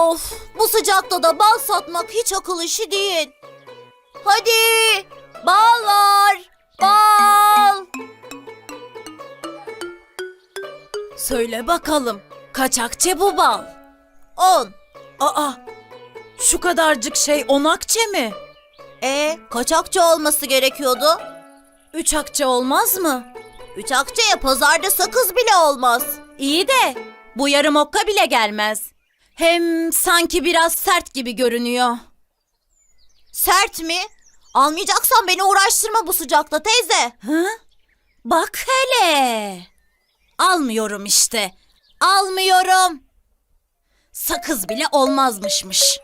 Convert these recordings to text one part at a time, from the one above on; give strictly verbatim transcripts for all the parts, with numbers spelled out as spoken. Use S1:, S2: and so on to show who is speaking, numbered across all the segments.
S1: Of, bu sıcakta da bal satmak hiç akıl işi değil. Hadi, bal var, bal. Söyle bakalım, kaç akçe bu bal? On. Aa, şu kadarcık şey on akçe mi? E, kaç akçe olması gerekiyordu? Üç akçe olmaz mı? Üç akçeye pazarda sakız bile olmaz. İyi de bu yarım okka bile gelmez. Hem sanki biraz sert gibi görünüyor. Sert mi? Almayacaksan beni uğraştırma bu sıcakta teyze. Hı? Bak hele. Almıyorum işte. Almıyorum. Sakız bile olmazmışmış.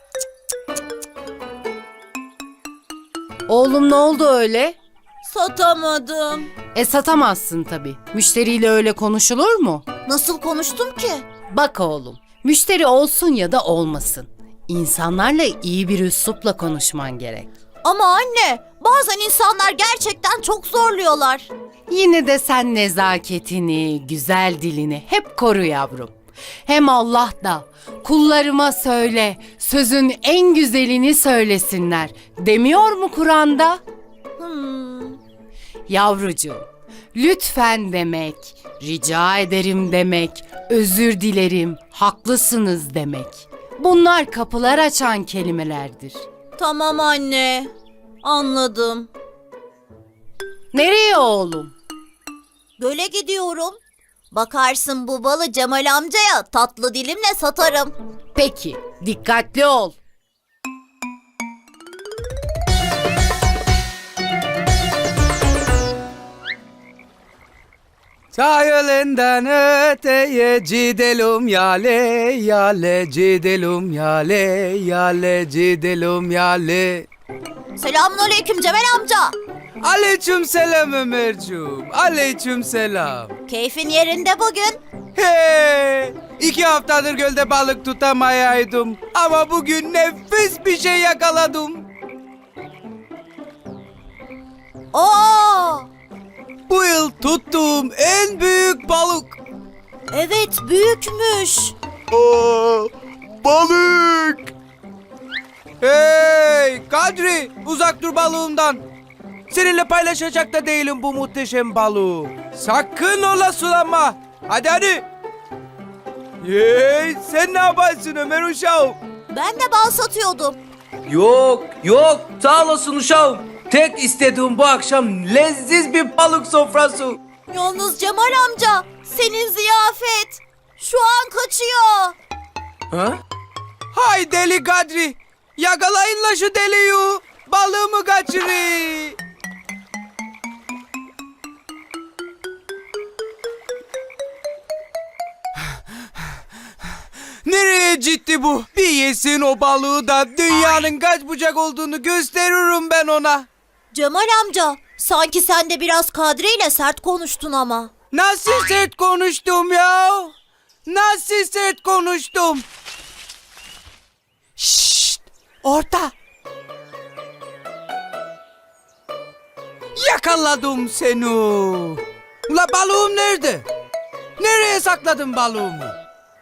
S2: Oğlum ne oldu öyle?
S1: Satamadım.
S2: E satamazsın tabii. Müşteriyle öyle konuşulur mu?
S1: Nasıl konuştum ki?
S2: Bak oğlum, müşteri olsun ya da olmasın. İnsanlarla iyi bir üslupla konuşman gerek.
S1: Ama anne, bazen insanlar gerçekten çok zorluyorlar.
S2: Yine de sen nezaketini, güzel dilini hep koru yavrum. Hem Allah da kullarıma söyle, sözün en güzelini söylesinler demiyor mu Kur'an'da?
S1: Hmm.
S2: Yavrucuğum, lütfen demek, rica ederim demek, özür dilerim, haklısınız demek. Bunlar kapılar açan kelimelerdir.
S1: Tamam anne, anladım.
S2: Nereye oğlum?
S1: Göle gidiyorum. Bakarsın bu balı Cemal amcaya tatlı dilimle satarım.
S2: Peki, dikkatli ol.
S3: Sahilinden öteye gidelim yale yale gidelim yale yale gidelim yale.
S1: Selamünaleyküm Cemal amca.
S3: Aleyküm selam Ömerciğim. Aleyküm selam.
S1: Keyfin yerinde bugün.
S3: Hey! İki haftadır gölde balık tutamayaydım. Ama bugün nefis bir şey yakaladım.
S1: Oo!
S3: Bu yıl tuttuğum en büyük balık.
S1: Evet, büyükmüş.
S3: Aa, balık! Hey Kadri, uzak dur balığımdan. Seninle paylaşacak da değilim bu muhteşem balığı. Sakın ola sulanma. Hadi hadi. Hey, sen ne yaparsın Ömer uşağım?
S1: Ben de bal satıyordum.
S4: Yok yok sağ olasın uşağım. Tek istediğim bu akşam lezzetli bir balık sofrası.
S1: Yalnız Cemal amca, senin ziyafet şu an kaçıyor.
S4: Ha?
S3: Hay deli Kadri. Yakalayın la şu deliyi. Balığımı kaçırın. Nereye gitti bu? Bir yesin o balığı da dünyanın kaç bucak olduğunu gösteririm ben ona.
S1: Cemal amca, sanki sen de biraz Kadri ile sert konuştun ama.
S3: Nasıl sert konuştum ya? Nasıl sert konuştum? Şşt! Orta! Yakaladım seni. Ula balığım nerede? Nereye sakladın balığımı?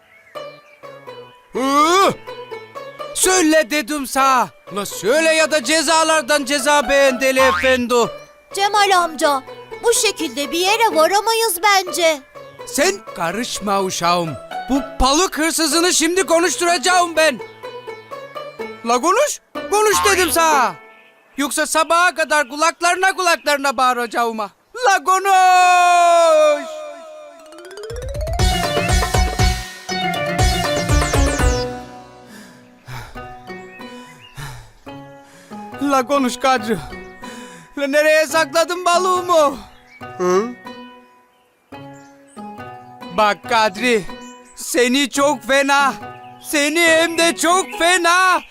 S3: Hı? Söyle dedim sana. La söyle ya da cezalardan ceza beğen deli efendi.
S1: Cemal amca, bu şekilde bir yere varamayız bence.
S3: Sen karışma uşağım. Bu balık hırsızını şimdi konuşturacağım ben. La konuş. Konuş dedim sana. Yoksa sabaha kadar kulaklarına kulaklarına bağıracağım ha. La konuş. La konuş Kadri. La nereye sakladın balığımı? Hı? Bak Kadri, seni çok fena, seni hem de çok fena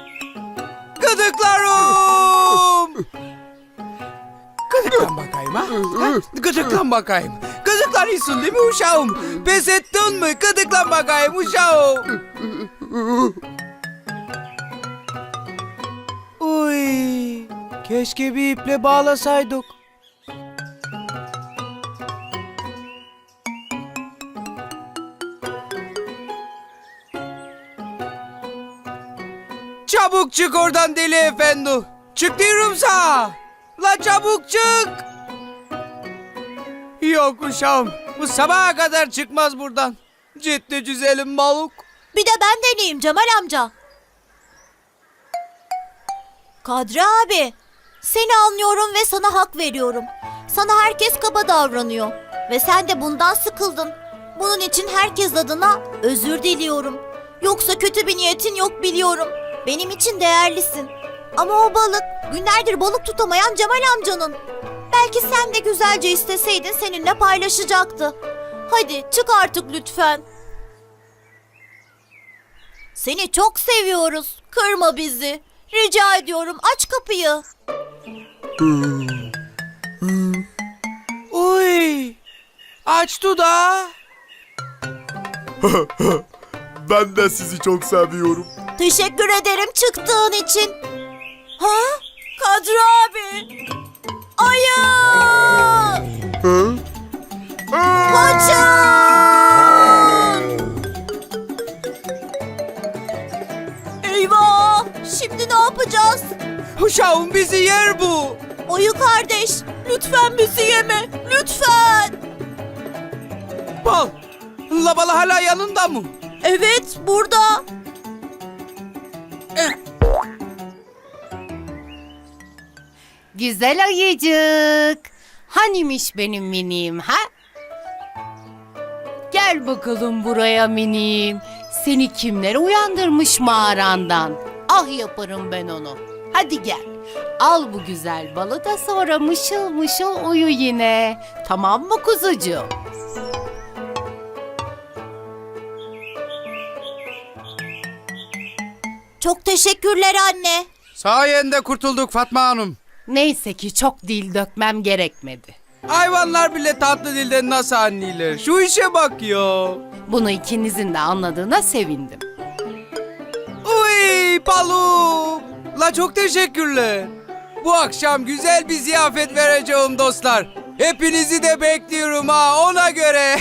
S3: gıdıklarım. Gıdıklan bakayım ha? ha? Gıdıklan bakayım. Gıdıklan iyisin değil mi uşağım? Pes ettin mi? Gıdıklan bakayım uşağım. Uy, keşke bir iple bağlasaydık. Çabuk çık oradan deli efendi. Çık diyorum sana. La çabuk çık. Yok uşağım. Bu sabaha kadar çıkmaz buradan. Ciddi güzelim balık.
S1: Bir de ben deneyeyim Cemal amca. Kadri abi, seni anlıyorum ve sana hak veriyorum. Sana herkes kaba davranıyor. Ve sen de bundan sıkıldın. Bunun için herkes adına özür diliyorum. Yoksa kötü bir niyetin yok biliyorum. Benim için değerlisin. Ama o balık günlerdir balık tutamayan Cemal amcanın. Belki sen de güzelce isteseydin seninle paylaşacaktı. Hadi çık artık lütfen. Seni çok seviyoruz. Kırma bizi. Rica ediyorum aç kapıyı.
S3: Uy. Açtı da.
S5: Ben de sizi çok seviyorum.
S1: Teşekkür ederim çıktığın için. Ha? Kadri abi. Ayı!
S5: Hı?
S1: Kaçın! Eyvah! Şimdi ne yapacağız?
S3: Uşağım bizi yer bu.
S1: Ayı kardeş, lütfen bizi yeme. Lütfen.
S3: Bal. La balı hala yanında mı?
S1: Evet, burada.
S2: Güzel ayıcık. Hanimiş benim miniğim ha? Gel bakalım buraya miniğim. Seni kimler uyandırmış mağarandan? Ah yaparım ben onu. Hadi gel. Al bu güzel balı da sonra mışıl mışıl uyu yine. Tamam mı kuzucuğum?
S1: Çok teşekkürler anne.
S3: Sayende kurtulduk Fatma Hanım.
S2: Neyse ki çok dil dökmem gerekmedi.
S3: Hayvanlar bile tatlı dilden nasıl anlayılır? Şu işe bak ya.
S2: Bunu ikinizin de anladığına sevindim.
S3: Uy balım. La çok teşekkürler. Bu akşam güzel bir ziyafet vereceğim dostlar. Hepinizi de bekliyorum ha ona göre.